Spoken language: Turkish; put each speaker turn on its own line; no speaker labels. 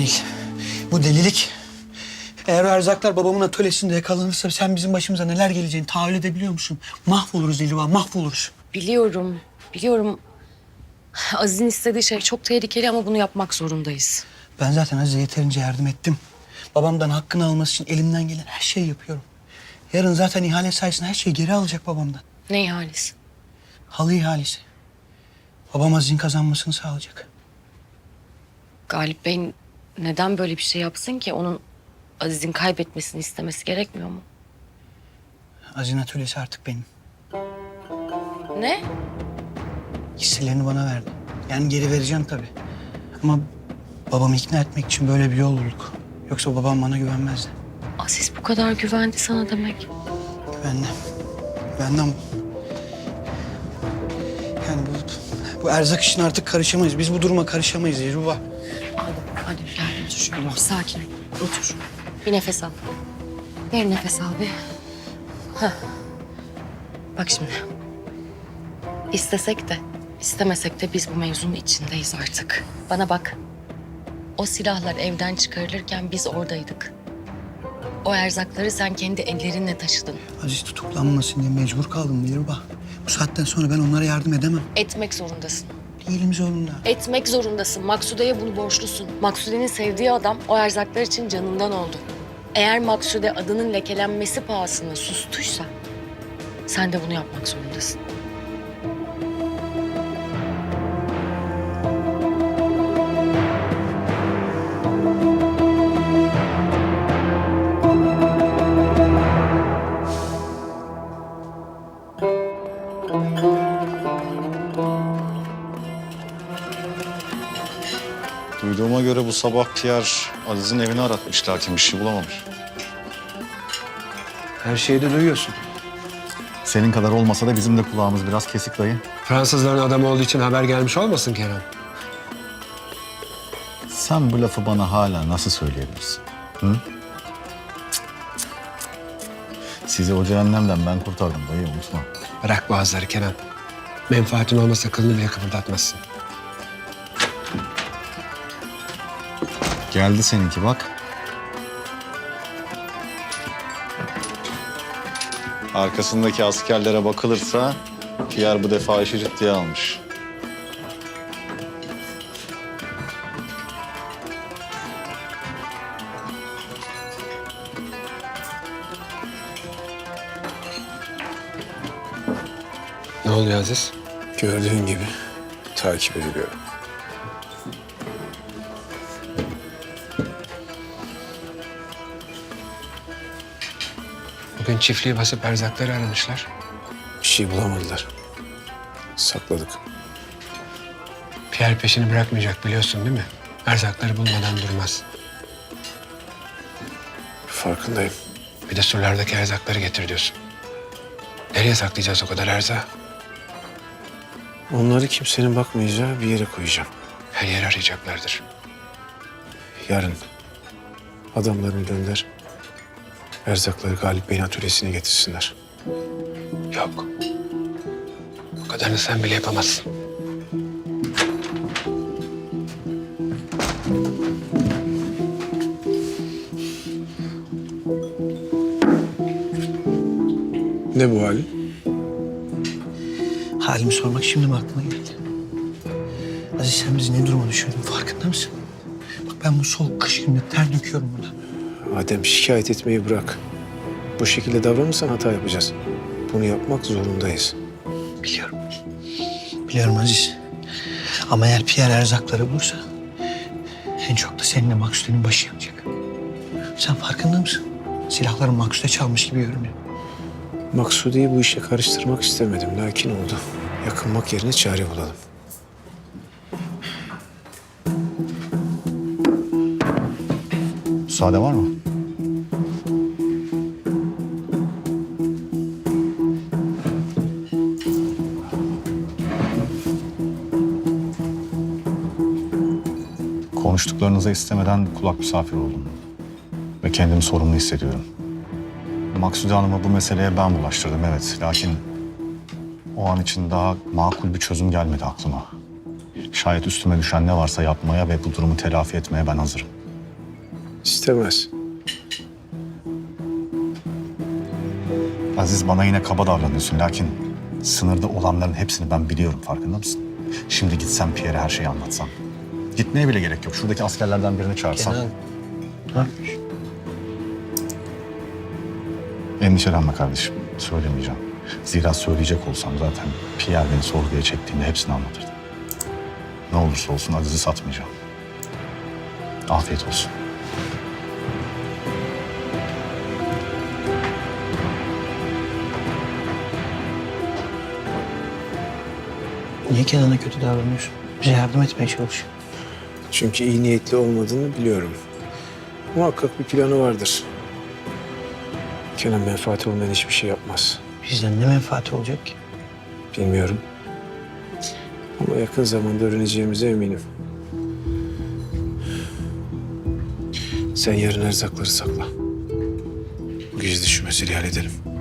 değil. Bu delilik. Eğer o erzaklar babamın atölyesinde yakalanırsa sen bizim başımıza neler geleceğini tahayyül edebiliyor musun? Mahvoluruz Dilruba, mahvoluruz.
Biliyorum, biliyorum. Aziz'in istediği şey çok tehlikeli ama bunu yapmak zorundayız.
Ben zaten Aziz'e yeterince yardım ettim. Babamdan hakkını alması için elimden gelen her şeyi yapıyorum. Yarın zaten ihale sayesinde her şeyi geri alacak babamdan.
Ne ihalesi?
Halı ihalesi. Babam Aziz'in kazanmasını sağlayacak.
Galip Bey neden böyle bir şey yapsın ki? Onun Aziz'in kaybetmesini istemesi gerekmiyor mu?
Aziz'in atölyesi artık benim.
Ne?
Hisselerini bana verdi. Yani geri vereceğim tabii. Ama babamı ikna etmek için böyle bir yol bulduk. Yoksa babam bana güvenmezdi.
Aziz bu kadar güvendi sana demek.
Güvendi. Güvendi ama... Yani bu erzak işine artık karışamayız. Biz bu duruma karışamayız Dilruba.
Hadi gel otur. Tamam. Sakin ol. Otur. Bir nefes al. Bir nefes al bir. Heh. Bak şimdi. İstesek de istemesek de biz bu mevzunun içindeyiz artık. Bana bak. O silahlar evden çıkarılırken biz oradaydık. O erzakları sen kendi ellerinle taşıdın.
Aziz tutuklanmasın diye mecbur kaldım Dilruba. Bu saatten sonra ben onlara yardım edemem.
Etmek zorundasın.
Değilim zorunda.
Etmek zorundasın. Maksude'ye bunu borçlusun. Maksude'nin sevdiği adam o erzaklar için canından oldu. Eğer Maksude adının lekelenmesi pahasına sustuysa sen de bunu yapmak zorundasın.
Duyduğuma göre bu sabah Pierre Aziz'in evini aratmış lakin bir şey bulamamış.
Her şeyi de duyuyorsun.
Senin kadar olmasa da bizim de kulağımız biraz kesik dayı.
Fransızların adamı olduğu için haber gelmiş olmasın Kerem?
Sen bu lafı bana hala nasıl söyleyebilirsin? Hı? Sizi o cehennemden ben kurtardım dayı, unutma.
Bırak boğazları Kenan. Menfaatin olmasa kılını bile kıpırdatmazsın.
Geldi seninki bak. Arkasındaki askerlere bakılırsa Pierre bu defa işi ciddiye almış.
Ne oluyor Aziz?
Gördüğün gibi takip ediliyorum.
Bugün çiftliği basıp erzakları aramışlar.
Bir şey bulamadılar. Sakladık.
Pierre peşini bırakmayacak biliyorsun değil mi? Erzakları bulmadan durmaz.
Farkındayım.
Bir de surlardaki erzakları getir diyorsun. Nereye saklayacağız o kadar erzağı?
Onları kimsenin bakmayacağı bir yere koyacağım.
Her yer arayacaklardır.
Yarın adamlarını gönder. Erzakları Galip Bey'in atölyesine getirsinler.
Yok. O kadarını sen bile yapamazsın.
Ne bu hali?
Halimi sormak şimdi mi aklına geldi? Aziz sen bizi ne duruma düşürdün farkında mısın? Bak ben bu soğuk kış gününde ter döküyorum burada.
Adem şikayet etmeyi bırak. Bu şekilde davranırsan hata yapacağız. Bunu yapmak zorundayız.
Biliyorum. Biliyorum Aziz. Ama eğer Pierre erzakları bulursa en çok da seninle Maksude'nin başı yanacak. Sen farkında mısın? Silahları Maksude çalmış gibi görünüyor.
Maksude'yi bu işe karıştırmak istemedim. Lakin oldu. Yakınmak yerine çare bulalım.
Müsaade var mı? Konuştuklarınıza istemeden kulak misafir oldum. Ve kendimi sorumlu hissediyorum. Maksude Hanım'a bu meseleye ben bulaştırdım evet. Lakin o an için daha makul bir çözüm gelmedi aklıma. Şayet üstüme düşen ne varsa yapmaya ve bu durumu telafi etmeye ben hazırım.
İstemez.
Aziz, bana yine kaba davranıyorsun. Lakin sınırda olanların hepsini ben biliyorum, farkında mısın? Şimdi gitsem Pierre'e her şeyi anlatsam. Gitmeye bile gerek yok. Şuradaki askerlerden birini çağırsam.
Kenan. Ne yapıyorsun?
Endişelenme kardeşim. Söylemeyeceğim. Zira söyleyecek olsam zaten Pierre beni sorguya çektiğinde hepsini anlatırdı. Ne olursa olsun Aziz'i satmayacağım. Afiyet olsun.
Niye Kenan'a kötü davranıyorsun? Bize yardım etmeye çalış.
Çünkü iyi niyetli olmadığını biliyorum. Muhakkak bir planı vardır. Kenan menfaati olmayan hiçbir şey yapmaz.
Bizden ne menfaati olacak ki?
Bilmiyorum. Ama yakın zamanda öğreneceğimize eminim. Sen yarın erzakları sakla. Bu gece de şu meseleyi halledelim.